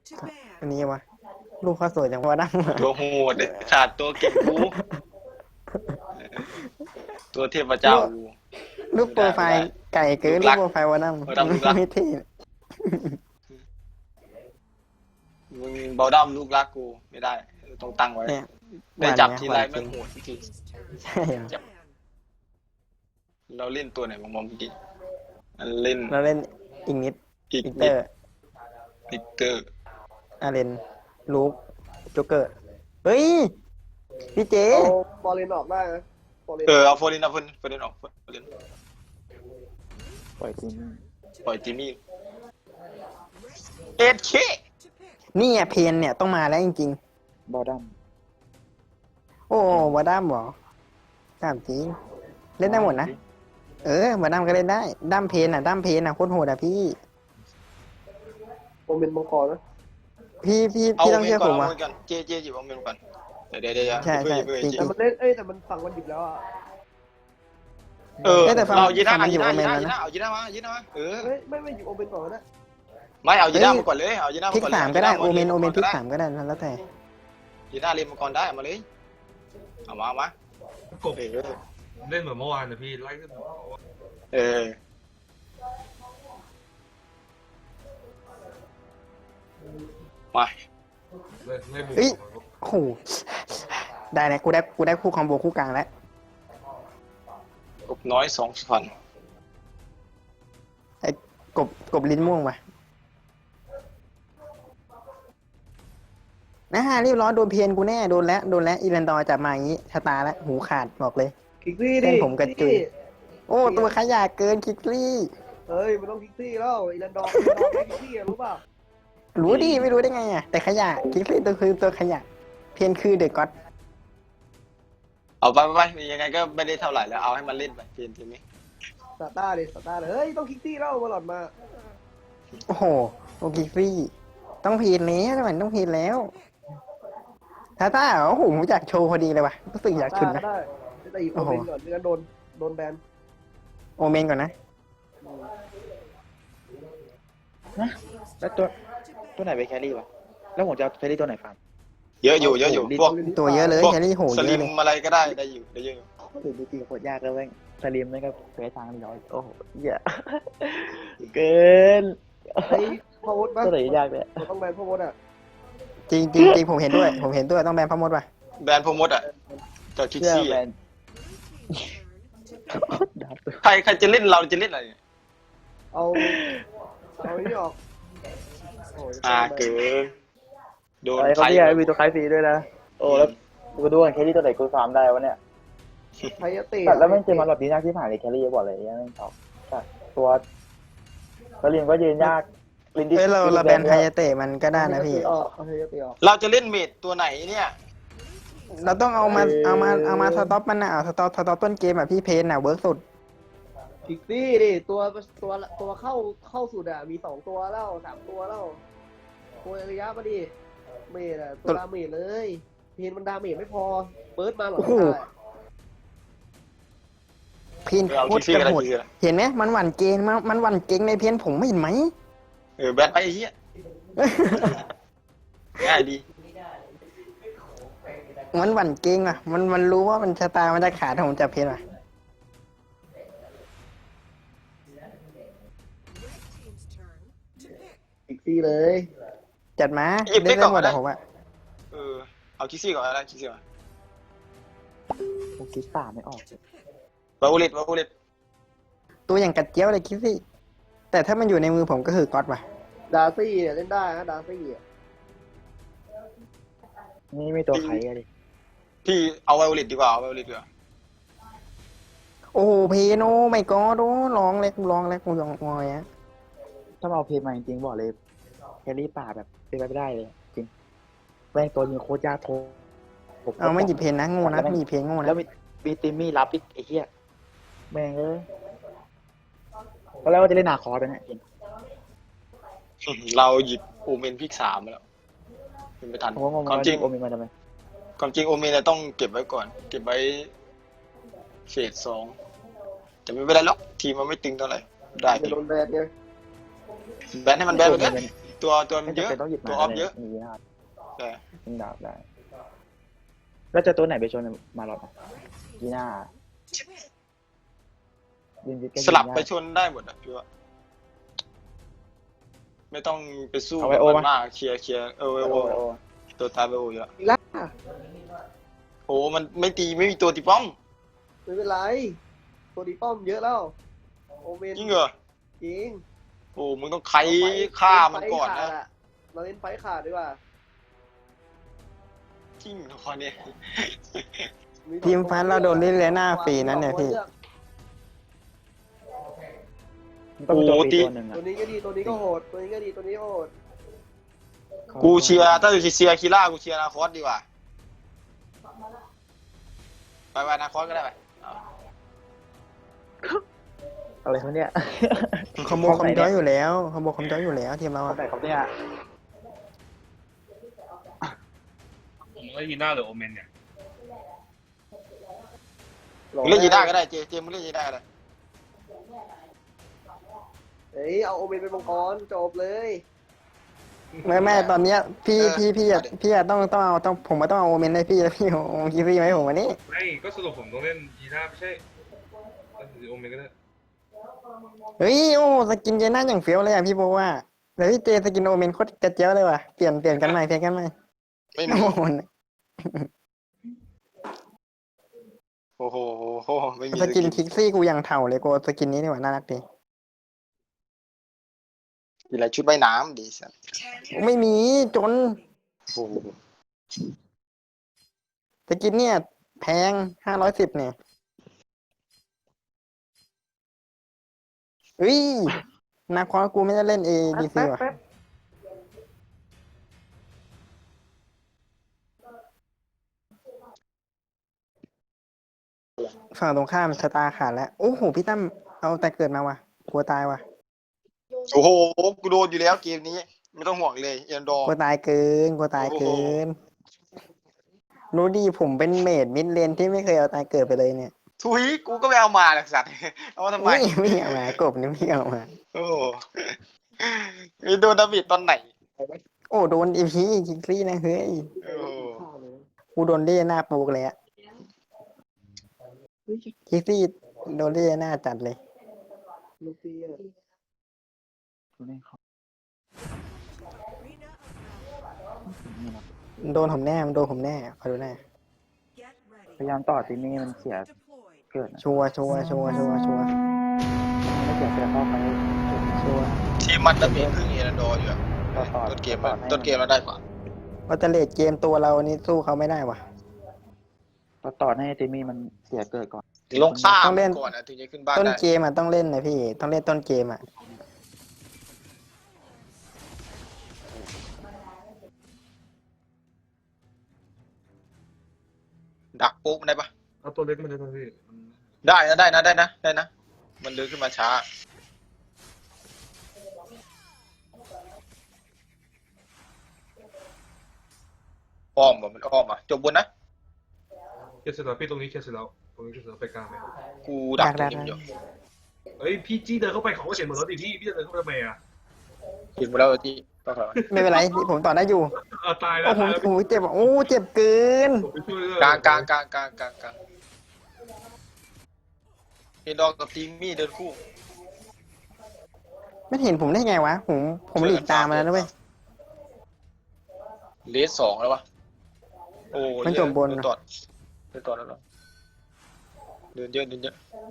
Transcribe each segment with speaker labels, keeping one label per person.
Speaker 1: อันนี้วะลูกเขาสวยจังวะดั้ง
Speaker 2: ตัวโหดขาดตัวเก่งกูตัวเทพเจ้ากู
Speaker 1: รูปโปรไฟล์ไก่เกินรูปโปรไฟล์วะดั้งไม่เท่
Speaker 2: มึงเบาดั้มลูกรักกูไม่ได้ต้องตั้งไว้
Speaker 1: เนี่ย
Speaker 2: ได้จับทีไรไม่โหดที
Speaker 1: ใช่เหรอ
Speaker 2: เราเล่นตัวไหนมองเมื่อกี้เล่น
Speaker 1: เราเล่นอิงนิด
Speaker 2: อีก
Speaker 1: อิกเต
Speaker 2: นิ
Speaker 1: อ
Speaker 2: ด
Speaker 1: ร์
Speaker 2: อีกเตอร์
Speaker 1: อาเรนลูกโจ๊กเกอร์เฮ้ยพี่เจ
Speaker 3: เอาบอลเลนออกได้นะบอลเลน
Speaker 2: เอาโฟลินเอาโฟลินออกโฟลิน
Speaker 4: ปล่อยจริง
Speaker 2: ปล่อยจิมมี่เอ็ดเค
Speaker 1: นี่อะเพนเนี่ยต้องมาแล้วจริง
Speaker 4: บอดัม
Speaker 1: ๆโอ้วาดัมเหรอตามจริงเล่นได้หมดนะวาดัมก็เล่นได้ดั้มเพนดั้มเพนโคตรโหดอะพี่
Speaker 3: โมเมนต์มังกรนะ
Speaker 1: พี่
Speaker 2: เอา
Speaker 1: ต้อง
Speaker 2: เม
Speaker 1: เชื่
Speaker 2: น
Speaker 1: อ
Speaker 2: ก่อ
Speaker 1: ผ
Speaker 2: น
Speaker 1: ม
Speaker 2: เอา
Speaker 1: ว่ะ
Speaker 2: เมนก่อนเจหยิบเอาเมนก่อนเดี๋ยว
Speaker 1: ใช่
Speaker 2: เพื่อ
Speaker 1: ใช่
Speaker 2: เพื่อ
Speaker 1: จริง
Speaker 3: แต่มันเล่นแต่มันฝั่งมันหยิบแล้วอ่ะ
Speaker 1: แต่ฟัง
Speaker 2: เรายีน่า
Speaker 1: ฟังมันอยู่
Speaker 2: ยีน่า
Speaker 1: โอเมนแล้วนะ
Speaker 2: เอายีน่ามา
Speaker 3: เฮ้ยไม่หยิบโอเมนก่อนก็ได้
Speaker 2: ไม่เอายีน่ามาก่อนเลยเอายีน่า
Speaker 1: พลิ
Speaker 2: มาก ก่อน
Speaker 1: สามก็ได้โอเมนพลิกสามก็ได้แล้วแต่
Speaker 2: ยีน่าเล่นมาก่อนได้เอามาเลยเอามาก
Speaker 5: บเล่นเหมือนเมื่อวานนะพี่ไล่ขึ้นหัวเขาอะ
Speaker 2: มา
Speaker 5: เล่นบุก
Speaker 1: เอ้ยโอ้โหได้แล้วกูได้คู่คอมโบคู่กลางแล้ว
Speaker 2: กบน้อย2,000
Speaker 1: ไอ้กบลิ้นม่วงว่ะนะฮะรีบร้อนโดนเพียนกูแน่โดนแล้วอีแลนดอร์จับมาอย่างนี้ชะตาแล้วหูขาดบอกเลย
Speaker 3: คิกซี่
Speaker 1: เส้
Speaker 3: ดิ
Speaker 1: นผมกระจุย โอ้ตัวขยะเกินคิกลี่
Speaker 3: เฮ้ยมันต้องคิกซี่แล้วอีแลนดอร์ไม่คิกซี่รู้เปล่า
Speaker 1: รู้ดิไม่รู้ได้ไงอ่ะแต่ขยะคิกลี่ตัวคือตัวขยะเพียนคือเดอะก็อด
Speaker 2: เอาไปยังไงก็ไม่ได้เท่าไหร่แล้วเอาให้มันเล่นไปเพียนทีนี้
Speaker 3: สตาร์เลยเฮ้ยต้องคิกซี่แล้วมาหลอดมา
Speaker 1: โอ้โหโอคิกลี่ต้องพีนแล้วทำไมต้องพีนแล้วถ้าโอ้โหผมอยากโชว์พอดีเลยว่ะรู้สึกอยากชุนนะ
Speaker 3: ได้แต่อีกโอเมนก่อนไม่งั้นโดนแบน
Speaker 1: โอเมนก่อนนะ
Speaker 4: นะแล้วตัวไหนไปแครี่วะแล้วผมจะเอาแครี่ตัวไหนฟัง
Speaker 2: เยอะอยู่พวก
Speaker 1: ตัวเยอะเลย
Speaker 2: พวก
Speaker 1: แครี่โห
Speaker 2: ส
Speaker 1: เย
Speaker 2: ลิ
Speaker 1: อะ
Speaker 2: ม
Speaker 1: เลย
Speaker 2: อะไรก็ได้อยู่ได้เยอะอยู่
Speaker 4: ถึงจริงๆโคตรยากเลยเว้ยสลิมไม่ก็เฟซทางย้อยโอ้โหเหี้ยเกิน
Speaker 3: ไอ้พาวดปะ
Speaker 4: ตัวไหนยากเนี่ย
Speaker 3: ต้องแบนพาวดอ่ะ
Speaker 1: จริงผมเห็นด้วยต้องแบนพมดว่ะ
Speaker 2: แบรนด์พมดอ่ะกับคิก
Speaker 4: เชื่อ
Speaker 2: ซี่
Speaker 4: แมนดับ
Speaker 2: ใครจะเล่นเราจะเล่นอะไร
Speaker 3: เอานี่ออก
Speaker 2: เกินโดน
Speaker 4: อะไรเขาเนี่ยมีตัวคล้ายฟรีด้วยนะโอ้แล้วกูดูกันแครี่ตัวไหนกูฟาร์มได้วะเนี่ย
Speaker 3: ไทยเตะ
Speaker 4: แต่แล้วไม่เจอมาแบบนี้ยากที่ผ่านเลยแครี่บอกเลยยังไม่ตอบแต่ตัวสลิมก็ยืนยากลินดี้
Speaker 1: เฮ้ยเราแบนไฮยาเตะมันก็ได้นะพี่
Speaker 3: เอาไทยเตะออก
Speaker 2: เราจะเล่นเมดตัวไหนเนี่ย
Speaker 1: เราต้องเอามาสต็อปมันนะเอาสต็อปต้นเกมอ่ะพี่เพนอ่ะเวิร์กสุด
Speaker 3: คิกซี่ดิตัวเข้าสุดอ่ะมี2ตัวแล้ว3ตัวแล้วตัวระยะมาดิเมดอ่ะตัวดาเมจเลยเพนมันดาเมจไม่พอเปิดมาหรอ
Speaker 1: เพน
Speaker 2: เอา
Speaker 1: โค
Speaker 2: คิ
Speaker 1: ต
Speaker 2: ก
Speaker 1: ร
Speaker 2: ซี่
Speaker 1: จะ
Speaker 2: ก็ได้
Speaker 1: โหด
Speaker 2: คิกซี่
Speaker 1: เห็นไหมมันหวั่นเกงมันหวั่นเกงในเพนผมไม่เห็นไหม
Speaker 2: แบนไปไอ้เหี้ยง่ายดี
Speaker 1: มันหวั่นเกงอ่ะมันรู้ว่ามันชะตามันจะขาดถ้าผมจับเพนอ่ะ
Speaker 3: คิกซี่เลย
Speaker 1: จัดมาเล่นได้หมดอ่ะผมอ่ะ
Speaker 2: เอาคิกซี่ก่อนอะไรคิกซี่ก่อน
Speaker 4: ผมคิดป่าไม่ออก
Speaker 2: วาวูลิต
Speaker 1: ตัวอย่างกัดเจี้ยวเลยคิดสิแต่ถ้ามันอยู่ในมือผมก็คือก๊อตว่ะ
Speaker 3: ดาซี่เนี่ยเล่นได้นะดาซี่อ่ะ
Speaker 4: นี่ไม่ตัวใครอะดิ
Speaker 2: พี่เอาวาวูลิตดีกว่าเอาวาวูลิตดีกว่า
Speaker 1: โอ้โหเพนโอ้ไม่ก็โอ้ร้องแล้วกูร้องงอยอ่ะ
Speaker 4: ถ้ามาเอาเพลงมาจริงๆบอกเลยแครี่ป่าแบบเป็นไปไม่ได้เลยจริงแม่งตัวยิงโคตรยากโท
Speaker 1: เอาไม่หยิบเพนนะโง่นะมีเพนโง่นะ
Speaker 4: แล้วมีติมมี่รับอีกไอ้เหี้ยแม่งเอ้ยตอนแรกว่าจะเล่นนาคอร์ไปเนี่ยจริง
Speaker 2: เราหยิบโอเมนพิก3มาแล้วเป็นไม่ทัน
Speaker 4: ผมก็งง
Speaker 2: ความจริง
Speaker 4: โอมิมาทำไม
Speaker 2: ความจริงโอเมนเนี่ยต้องเก็บไว้ก่อน เก็บไว้เฟส2แต่ไม่เป็นไรหรอกทีมมันไม่ตึงเท่าไหร่ได้
Speaker 3: จะโดนแบนเนี่ย
Speaker 2: แบนให้มันแบนไปเลยตัวมัน
Speaker 4: ไม่
Speaker 2: เย
Speaker 4: จำ
Speaker 2: อะ
Speaker 4: เป็นต้องหยิบ
Speaker 2: ตัว
Speaker 4: มา
Speaker 2: ออฟเยอะ
Speaker 4: มียีน่า
Speaker 2: แต่
Speaker 4: ยิงดาบได้แล้วจะตัวไหนไปชนมาหรอยีน่ายิงก็
Speaker 2: สลับ
Speaker 4: ยิง
Speaker 2: ไป
Speaker 4: ด้
Speaker 2: ชนได้หมดอ่ะพี่ว่าไม่ต้องไปสู้
Speaker 4: เอา
Speaker 2: กั
Speaker 4: ไว้
Speaker 2: บ
Speaker 4: โอ
Speaker 2: มัน
Speaker 4: ปะ
Speaker 2: มากเคลียร์
Speaker 4: โอ้
Speaker 2: ไวโอ
Speaker 4: โอ้
Speaker 2: ตัวตายไวโอเยอะ
Speaker 3: อีกแล้ว
Speaker 2: โอ้มันไม่ตีไม่มีตัวตีป้อม
Speaker 3: ไม่เป็นไรตัวดีป้อมเยอะแล้วโอเมน
Speaker 2: จริงเหรอ
Speaker 3: จริง
Speaker 2: โอ้มึงต้องไขฆ่ามันก่อนนะ
Speaker 3: เราเล่นไฟขาดดีกว่า
Speaker 2: จริงเหรอคนนี้
Speaker 1: ทีมฟันเราโดนลิเลน่าฟรีนั้นเนี่ยพี่
Speaker 4: ต้องมีตัวปีตัวหนึ่ง
Speaker 3: ตัว
Speaker 4: อ่ะ
Speaker 3: นี้ก็ดีตัวนี้ก็โหดตัวนี้ก็ดีตัวนี้ก็โหด
Speaker 2: กูเชียร์ถ้าจะเชียร์คีร่ากูเชียร์นาคอสดีกว่าไปนาคอสก็ได้ไปเอา
Speaker 4: อะไรเขาเนี่ย
Speaker 1: คอมโบคอมจอยอยู่แล้วคอมโบคอมจอยอยู่แล้วทีมเรา
Speaker 4: เขา
Speaker 1: อะ
Speaker 4: ไหนเขาเนี่ย
Speaker 5: ผมเล่นยีน่าหรือโอเมนเนี่ย
Speaker 2: มึงเล่นยีน่าก็ได้เจมึงเล่นยีน่าก็ได้
Speaker 3: เฮ้ยเอาโอเมนเป็นมังกรจบเลย
Speaker 1: ไม่ตอนเนี้ยพี่อะต้องผมมาต้องเอาโอเมนให้พี่แล้วพี่โอคิฟี่ไหมผมวันนี้
Speaker 5: ไม่ก็สรุปผมต้องเล่นยีน่าไม่ใช่เล่นโอเมนก็ได้
Speaker 1: เฮ้ยโอ้สกินเจน่าอย่างเฟี้ยวเลยอ่ะพี่โบว่าแต่พี่เจสกินโอเมนโคตรกระเจี๊ยวเลยว่ะเปลี่ยนกันใหม่
Speaker 2: ไม่มี
Speaker 1: โอ้โห
Speaker 2: โอ้โหไม่มี
Speaker 1: สกินคิกซี่กูยังเถ่าเลยกูสกินนี้นี่หว่าน่ารักดี
Speaker 2: มีอะไรชุดว่ายน้ำดีสัส
Speaker 1: ไม่มีจน
Speaker 2: โอ้โห
Speaker 1: สกินเนี่ยแพง510เนี่ยเฮ้ยนาคอกูไม่ได้เล่น ADC ว่ะฝั่งตรงข้ามชะตาขาดแล้วโอ้โหพี่ตั้มเอาแต่เกิดมาว่ะกลัวตายว่ะ
Speaker 2: โอ้โหกูโดนอยู่แล้วเกมนี้ ไม่ต้องห่วงเลยเอ็นดอร์
Speaker 1: กลัวตายเกินรู้ดีผมเป็นเมดมิดเลนที่ไม่เคยเอาตายเกิดไปเลยเนี่ย
Speaker 2: ทุยกูก็ไม่เอามาหรอกสัตว์เอามาทำไม
Speaker 1: ไม่เอามากบนี่ไม่เอามา
Speaker 2: โอ้โหมีโดนดามิดตอนไหน
Speaker 1: โอ้โดนอีพีคิกซี่นะเฮ้ย
Speaker 2: โอ้โห
Speaker 1: กูโดนเล่หน้าปูกเลยอะคิกซี่โดนเล่หน้าจัดเลย
Speaker 3: ลูกพี่อะ
Speaker 1: โดนผมแน่คอยดูแน่
Speaker 4: พยายามต่อทีนี้มันเสียเกิด
Speaker 1: ชัวร์
Speaker 4: ไม่เสียเสียเข้าไป
Speaker 1: ชัวร์
Speaker 2: ทีมมันดามิดครึ่งเอ็นดอร์อยู่อะ
Speaker 4: ต่อ
Speaker 2: ต้นเกมเราได้กว่า
Speaker 1: ว่าแต่เลดเกมตัวเรานี่สู้เขาไม่ได้ว่ะ
Speaker 4: ต่อให้ทีนี้มันเสียเกิดก่อน
Speaker 2: ลงข้าม
Speaker 1: ต้องเล่น
Speaker 2: ก่อนนะถึงจะขึ้นบ้าน
Speaker 1: ต้น
Speaker 2: ได้
Speaker 1: เกมอ่ะต้องเล่นนะพี่ต้องเล่นต้นเกมอ่ะ
Speaker 2: ดักปุ๊บได้ปะ
Speaker 5: เอาตัวเล็กมันได้ไหมพี่
Speaker 2: ได้นะมันเดินขึ้นมาช้าอ้อมมันอ้อมอ่ะจบบนนะ
Speaker 5: เคลียร์เสร็จแล้วพี่ตรงนี้เคลียร์เสร็จแล้วตรงนี้เคลียร์เสร็จแล้วไปกลางไหม
Speaker 2: กูดักตรงนี้อยู่
Speaker 5: เฮ้ยพี่จี้เดินเข้าไปเขาก็เห็นหมดแล้วดิพี่จะเดินเข้าไปทำไมอ่ะ
Speaker 2: เห็นหมดแล้วที่ต้องถอย
Speaker 1: ไม่เป็นไรผมต่อได้อยู่
Speaker 5: เอาตายแล้ว
Speaker 1: โอ้โห
Speaker 5: ตายแล้ว
Speaker 1: โอ้โหเจ็บอ่ะโอ้เจ็บเกิน
Speaker 5: ผมไปช่วยด้วย
Speaker 2: กลางเฮดดอกกับทีมมี่เดินคู่
Speaker 1: ไม่เห็นผมได้ไงวะผมหลีกตามมาแล้วนะเว้ย
Speaker 2: เลส2แล้ววะโอ้
Speaker 1: มันจบบน
Speaker 2: เดินต่อแล้วเหรอเดินเยอะ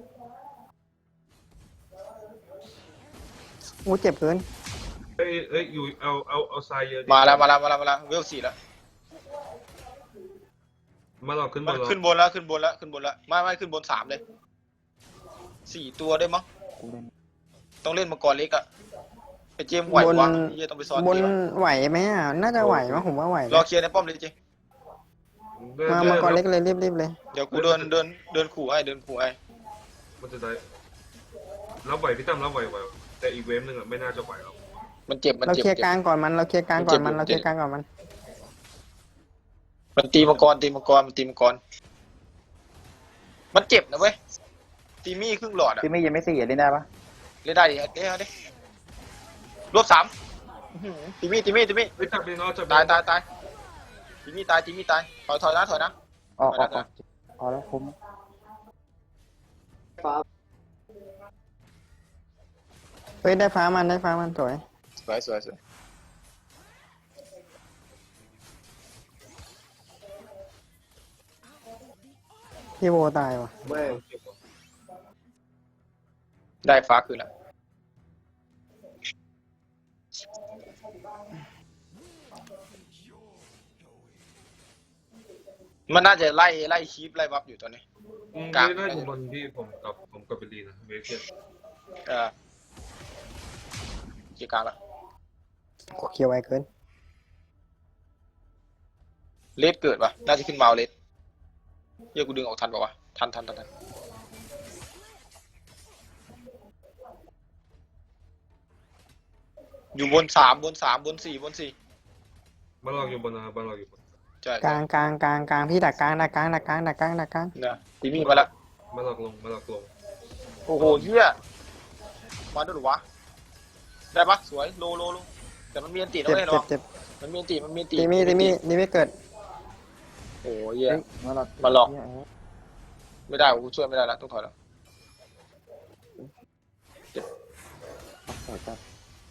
Speaker 1: โอ้เจ็บเกิน
Speaker 5: เอ้ยอยู่เอาทรายเยอะดิ
Speaker 2: มาแล้วเวล4แล้ว
Speaker 5: มาลองขึ้นบ
Speaker 2: มัน
Speaker 5: นเรา
Speaker 2: ขึ้นบนแล้วไม่ขึ้นบน3เลย4ตัวได้มั้ง
Speaker 4: กูเล่น
Speaker 2: ต้องเล่นมังกรเล็กอะไอเจมส์ไหววะเฮียต้องไปซ้อน
Speaker 1: บน
Speaker 2: เจมส์
Speaker 1: ไหวไหมอ่ะน่าจะไหวมั้งผมว่าไหว
Speaker 2: รอ
Speaker 1: นะ
Speaker 2: เคลียร์ในป้อมเลยเจ
Speaker 1: มาก่อนเล็กเลยรีบเลย
Speaker 2: เดี๋ยวกูเดินขู่ไอ้
Speaker 5: มันจะได้รับไหวพี่ตั้มรับไหวแต่อีกเวฟหนึ่งอ่ะไม่น่าจะไหวแล้ว
Speaker 2: มันเจ็บ
Speaker 1: เราเคลียร์กลางก่อนมันมัน
Speaker 2: ตีมังกรมันเจ็บนะเว้ยตีมี่ครึ่งหลอดอะ
Speaker 4: ทีนี้ยังไม่เสียเล่นได้ปะ
Speaker 2: เล่นได้ดิรวบ3 ตีมี่ตีมี่ตีมี่
Speaker 5: ไม่จับเลยเนาะจับ
Speaker 2: ตายตีมี่ตายถอยนะ
Speaker 4: ออกพอแล้วคุ้ม
Speaker 3: ฟ้า
Speaker 1: เฮ้ยได้ฟ้ามันสวย
Speaker 2: สวย
Speaker 1: พี่โบตายว่ะ
Speaker 3: แม่ง
Speaker 2: ได้ฟ้าคืนละมันน่าจะไล่คีปไล่บัฟอยู่ตอนนี้
Speaker 5: ไม่ได้อยู่บนที่ผมกับเบลลีนะเวเกต
Speaker 2: จีกลางละ
Speaker 1: เคียวไวเกิน
Speaker 2: เลดเกิดปะน่าจะขึ้นมาเอาเลดเฮียกูดึงออกทันปะวะทันอยู่บน3บน4
Speaker 5: บ้านเราอยู่บนนะบ้านเราอยู่บน
Speaker 2: ใช่
Speaker 1: กลางพี่ดักกลางนะ
Speaker 2: ตีมี่มาแล้ว
Speaker 5: บ้านเราลง
Speaker 2: โอ้โหเฮียมาด้วยหรอวะได้ปะสวยโลแต่มันมีอันตีนะเว้ยเนาะ
Speaker 1: เจ็บ
Speaker 2: มันมีอันตี
Speaker 1: ตีมี่เกิด
Speaker 2: โอ้ยเฮีย
Speaker 4: มาหลอก
Speaker 2: มาหลอก ไม่ได้กูช่วยไม่ได้แล้วต้องถอยแล้ว
Speaker 4: ต่อจับ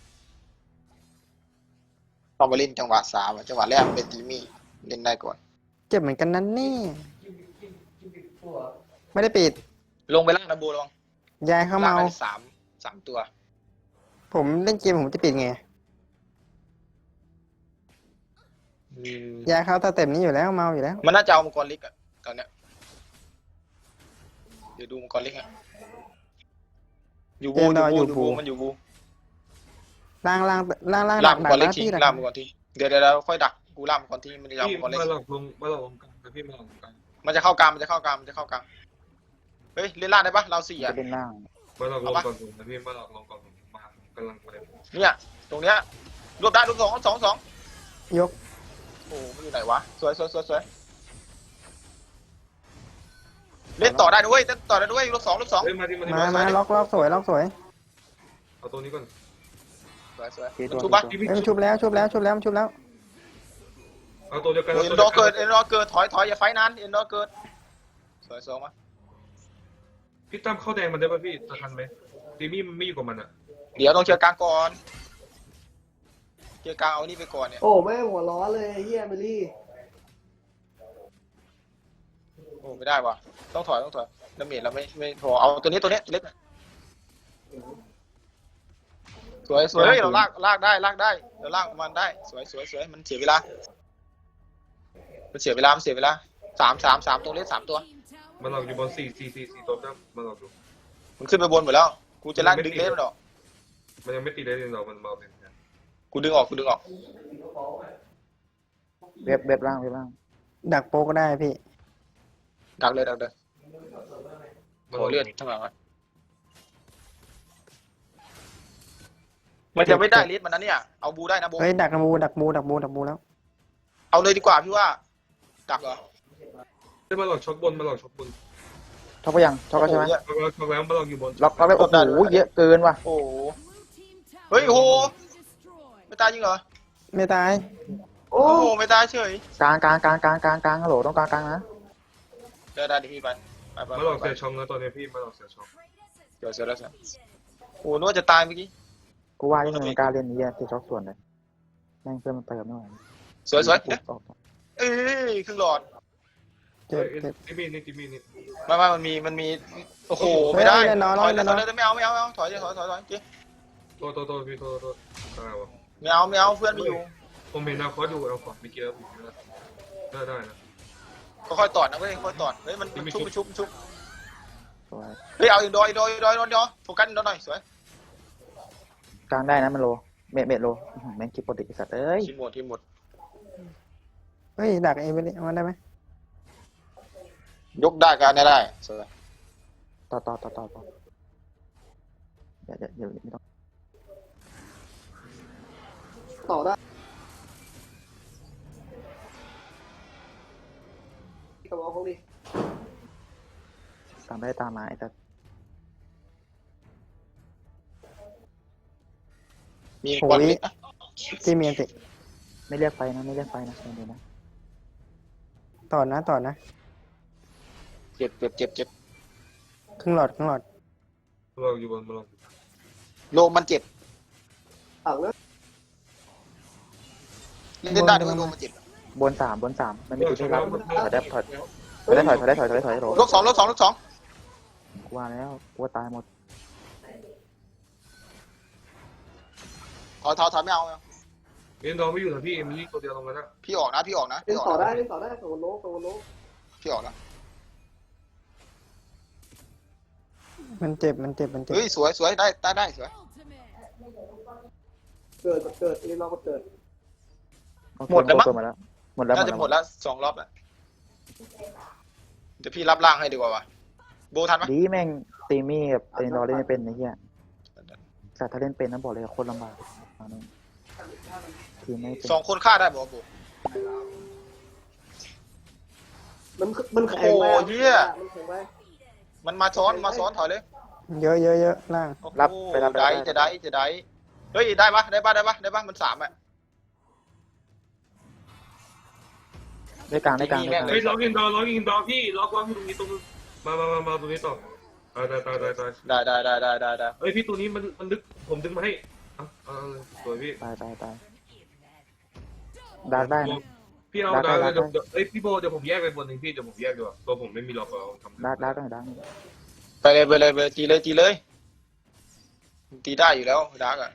Speaker 2: ต้องไปเล่นจังหวะ3จังหวะแรกเป็นตีมี่เล่นได้ก่อน
Speaker 1: เจ็บเหมือนกันนั่นนี่ไม่ได้ปิด
Speaker 2: ลงไปล่างนะบูระวัง
Speaker 1: ยายเข้าเมา
Speaker 2: ล่งได้สามตัว
Speaker 1: ผมเล่นเกมผมจะปิดไงยายเข้าตาเต็มนี้อยู่แล้วเมาอยู่แล้ว
Speaker 2: มันน่าจะเอามังกรลิกอะตอนเนี้ยเดี๋ยวดูมังกรลิกอะอยู่บูมันอยู่บู
Speaker 1: ล่าง
Speaker 2: ล่า
Speaker 1: ดั
Speaker 2: ม
Speaker 1: ก
Speaker 2: มังกรลิก
Speaker 1: นะ
Speaker 2: ที
Speaker 1: พี่ดัก
Speaker 2: ล่ามมังกรทีเดี๋ยวค่อยดักกูล่ามมังกรทีมันจะเอา
Speaker 5: พี่
Speaker 2: มังกรลิก
Speaker 5: บ้านเราลงกลางนะพี่บ้านเราลงกลาง
Speaker 2: มันจะเข้ากลางเฮ้ยเล่นล่างได้ปะเรา4
Speaker 4: จะ
Speaker 2: อะ
Speaker 4: เป็นล่าง
Speaker 5: บ้านเราลงก่อนผมนะพี่บ้านเราลงก่อนผมมากำลังไป
Speaker 2: เนี่ยตรงเนี้ยรวบได้รวบ2
Speaker 1: ยก
Speaker 2: โอ้มันอยู่ไหนวะสวยเล่นต่อได้ด้วยรวบ2
Speaker 5: เฮ้ยมาที่
Speaker 1: มาล็อกสวย
Speaker 5: เอาตัวนี้ก่อน
Speaker 2: สวย
Speaker 4: ตี
Speaker 2: มัน
Speaker 4: ตัว
Speaker 2: ชุบปะ
Speaker 1: เอ้ยชุบแล้ว
Speaker 5: เอาตัวเดียวกัน
Speaker 2: เอ็นดอร์เกิดถอยอย่าไฟนานเอ็นดอร์เกิดสวยมา
Speaker 5: พี่ตั้มเข้าแดงมันได้ป่ะพี่จะทันไหมตีมี่มันไม่อยู่กับมันอ่ะ
Speaker 2: เดี๋ยวต้องเคลียร์กลางก่อนเคลียร์กลางเอานี่ไปก่อนเนี่ย
Speaker 3: โอ้แม่งหัวร้อนเลยเฮียเมลี่
Speaker 2: โอ้ไม่ได้ว่ะต้องถอยดาเมจเราไม่พอเอาตัวนี้เล็กสวยเฮ้ยเราลากได้เราลากมันได้สวยมันเสียเวลา3ตัวเล็ก3ตัว
Speaker 5: มันเราอยู่บน4ตัวตั้มมันเราอยู่
Speaker 2: มันขึ้นไปบนหมดแล้วกูจะลากดึงเล็กมันออก
Speaker 5: มันยังไม่ตีได้เลยเรามันเบาเป็น
Speaker 2: กูดึงออก
Speaker 4: เว็บล่าง
Speaker 1: ดักโป๊ก็ได้พี่
Speaker 2: ดักเลยโอ้เลือดทั้งหลังมันจะไม่ได้ลิสมันนะเนี่ยเอาบูได้นะบู
Speaker 1: เฮ้ยดักบูแล้ว
Speaker 2: เอาเลยดีกว่าพี่ว่าดักเหรอ
Speaker 5: เฮ้ยมันหลอกช็อกบน
Speaker 4: ช็อกไปยังช็อกก็ใช่ไหม
Speaker 5: ช็อกแล้วมันหลอกอยู่บน
Speaker 4: ล็อกไปโอ้โหเยอะเกินว่ะ
Speaker 2: โอ้เฮ้ยโอ้ไม่ตายจริงเหรอ
Speaker 1: ไม่ตาย
Speaker 3: โอ้
Speaker 2: โอ้ไม่ตายเฉย
Speaker 4: กลางฮัลโหลต้องกลางนะ
Speaker 2: ได้ดิพี่ไป
Speaker 5: มันหลอกเสียช็อกนะตอนนี้พี่มันหลอกเสียช็อก
Speaker 2: เดี๋ยวเสร็จแล้วโอ้นึกว่าจะตายเมื่อกี้
Speaker 4: กูว่าที่มึงกล้าเล่นนี้ตีช็อกส่วนเลยแม่งเพื่อนมันเติมไม่ไหว
Speaker 2: สวย
Speaker 4: ออก
Speaker 2: เอ้ยครึ่งหลอด
Speaker 1: เจ็บ
Speaker 5: ตีมี่นี่
Speaker 2: ไม่มันมีโอ้โหไม่ได้ถอยเลยไม่เอาถอยจิ๊
Speaker 5: โทษพี่โทษอะไรวะ
Speaker 2: ไม่เอาเพื่อนไม่อยู่
Speaker 5: ผมเห็นนะคอร์ดอยู่เอาขอไม่เกี่ยวได้นะ
Speaker 2: ก็ค่อยตอดนะเว้ยค่อยตอดเฮ้ยมันชุบ
Speaker 4: สวย
Speaker 2: เฮ้ยเอาอีกดอยโฟกัสดอยหน่อยสวย
Speaker 4: กลางได้นะมันโลเมดโลแม่งคิดปกติสัตว์เอ้ย
Speaker 2: ทีมหมด
Speaker 1: เฮ้ยดักเอเวอเรสต์มันได้ไหม
Speaker 2: ยกได้กันได้สวย
Speaker 4: ต่ออย่าไม่ต้อง
Speaker 3: ต่อได้กระบอกเขาดิ
Speaker 4: ตามได้ตามมาไอ้แต่
Speaker 2: มีกวนลิก
Speaker 1: ที่เมียนติ
Speaker 4: ไม่เรียกไฟนะไม่เรียกไฟนะเดี๋ยวนะ
Speaker 1: ต่อนะต่อนะ
Speaker 2: เจ็บเจ็บเจ็บเจ็บ
Speaker 1: ครึ่งหลอดครึ่งหลอด
Speaker 5: เราอยู่บนมาลอง
Speaker 2: โลมันเจ็บ
Speaker 3: ถังนะ
Speaker 2: เล่นได้ด้วยโลมันเจ็บบ
Speaker 4: นสามมันมีจุดที่เราถอยได้ถอยโหล
Speaker 2: ลบสองลบสองลบสอง
Speaker 4: กลัวแล้วกลัวตายหมด
Speaker 2: ถอยไม่เอา
Speaker 5: เอ็นดอร์ไม่อยู่นะพี่เอ็มลี่ตัวเดียวตรงนั้นนะ
Speaker 2: พี่ออกนะพี่ออกนะ
Speaker 3: เล่นต่อได้โซโลโซโล
Speaker 2: พี่ออกนะ
Speaker 1: มันเจ็บมันเจ็บมันเจ็บ
Speaker 2: เฮ้ยสวยสวยได้สวย
Speaker 3: เกิดเล่นรอบก็เกิด
Speaker 2: หมดแล้วมั้ง
Speaker 4: หมดแล้ว
Speaker 2: น่าจะหมดแล้ว2 รอบแล้วเดี๋ยวพี่รับล่างให้ดีกว่าวะโบทันไหม
Speaker 4: ดีแม่งตีมี่กับเอ็นดอร์เล่นไม่เป็นไอ้เหี้ยแต่ถ้าเล่นเป็นนะบอกเลยโคตรลำบากทีมไม่เป็น
Speaker 2: 2 คนฆ่าได้บอกโบ
Speaker 3: มันแข็งไปมันแข็งไป
Speaker 2: มันมาซ้อนถอยเลย
Speaker 1: เยอะเยอะเยอะล่าง
Speaker 4: รับไปรับ
Speaker 2: ได้จะได้เฮ้ยได้ปะมัน3อ่ะ
Speaker 4: ได้กลาง
Speaker 5: เฮ้ยล็อกอินดอร์พี่ล็อกอยู่ตรงนี้ตรงมาตรงนี้ต่อตาย
Speaker 2: ได้
Speaker 5: เฮ้ยพี่ตัวนี้มันดึกผมดึงมาให้สวยพี่
Speaker 4: ตายดักได้นะ
Speaker 5: พี่เอาดาวเดี๋ยวเอ้ยพี่โบเดี๋ยวผมแยกไปบนหนึ่งพี่เดี๋ยวผมแยกดีกว่าตัวผมไม่มีล็อกเอาทำ
Speaker 4: ดักหน่อย
Speaker 2: ไปเลยตีเลยตีได้อยู่แล้วดาร์กอ่ะ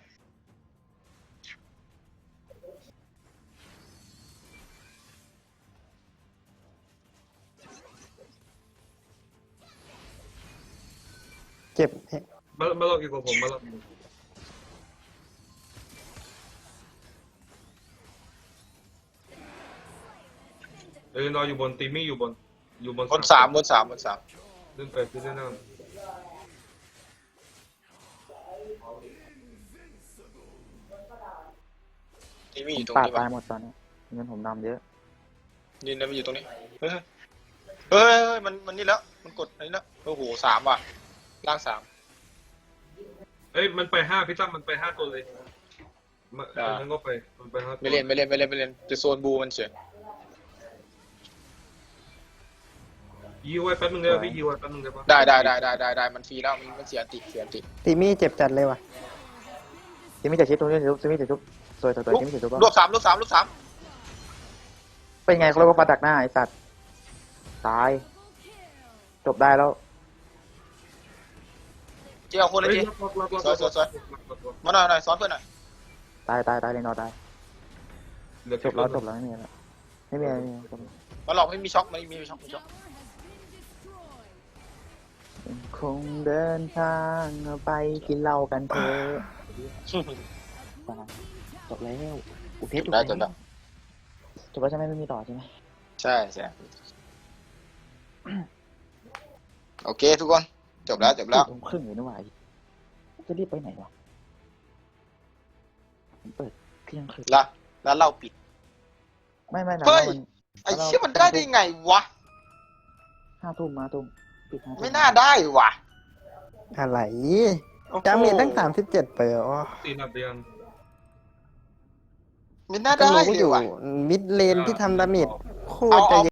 Speaker 1: เจ็บ
Speaker 5: มาล็อกอีกกว่าผมมาล็อกเอ้ยนอนอยู่บนตีมี่อยู่บน
Speaker 2: บน3
Speaker 5: เล่นไปพี่เล่นหน้า
Speaker 2: ทีมีอยู่ตรง
Speaker 4: ปาด
Speaker 2: นี้
Speaker 4: ตา
Speaker 2: ปะ
Speaker 4: ยหมดตอนนี้เงินผมนำเยอะ
Speaker 2: นี่นะมันอยู่ตรงนี้เฮ้ยมันนี่แล้วมันกดอันนี้แล้วโอ้โห3ว่ะล่าง3
Speaker 5: เอ้ยมันไป5พี่ตั้มมันไป5ตัวเลยมันก็ไปมันไป5ตัว
Speaker 2: ไม่เล่นจะโซนบูมันเฉย
Speaker 5: ยิวไว้แป๊บนึงได้ป่ะพี่ยิวไว้แป๊บนึงได้ป่ะ
Speaker 2: ได้มันฟรีแล้วมันเสียติ
Speaker 1: ตีมี่เจ็บจัดเลยว่ะ
Speaker 4: จะมีแต่ชิดตรงนี้จะมีแต่ชุบสวยจะมีแต่ชุบ
Speaker 2: รวบ3
Speaker 4: เป็นไงเขาเรียกว่าปลาดักหน้าไอ้สัตว์ตายจบได้แล้ว
Speaker 2: เจ้าคนเลย
Speaker 5: เฮ้ย
Speaker 2: จี
Speaker 5: ล็อก
Speaker 2: มาหน่อยซ้อนเพื่อนหน่อย
Speaker 4: ตายเลยนอนตาย
Speaker 5: เหลือ
Speaker 4: จบแล้วไม่มีแล้วไม่มี
Speaker 2: มาหลอกไม่มีช็อคไม่มีช็อค
Speaker 4: คงเดินทางไปกินเหล้ากันเถอะจบแล้วอุเทศจบแล้วใช่ไหมไม่มีต่อใช่ไหม
Speaker 2: ใช่โอเคทุกคนจบแล้ว
Speaker 4: ตรงครึ่งอยู่นี่หว่าจะรีบไปไหนวะผมเปิดเที่ยงคืน
Speaker 2: แล้วเราปิด
Speaker 4: ไม่นะ
Speaker 2: เฮ้ยไอ้เชี่ยมันได้ไงวะ
Speaker 4: 5 ทุ่มมาทุ่มปิด5 ทุ่ม
Speaker 2: ไม่น่าได้วะ
Speaker 1: อะไรจามีตั้ง37เปอร์
Speaker 5: ตีนับเรียน
Speaker 2: ไม่น่า
Speaker 1: ก็
Speaker 2: ได้
Speaker 1: รู้
Speaker 2: เล
Speaker 1: อย ยู่
Speaker 2: ว่ะ
Speaker 1: มิดเลนที่ทำดาเมจโคตรจะเ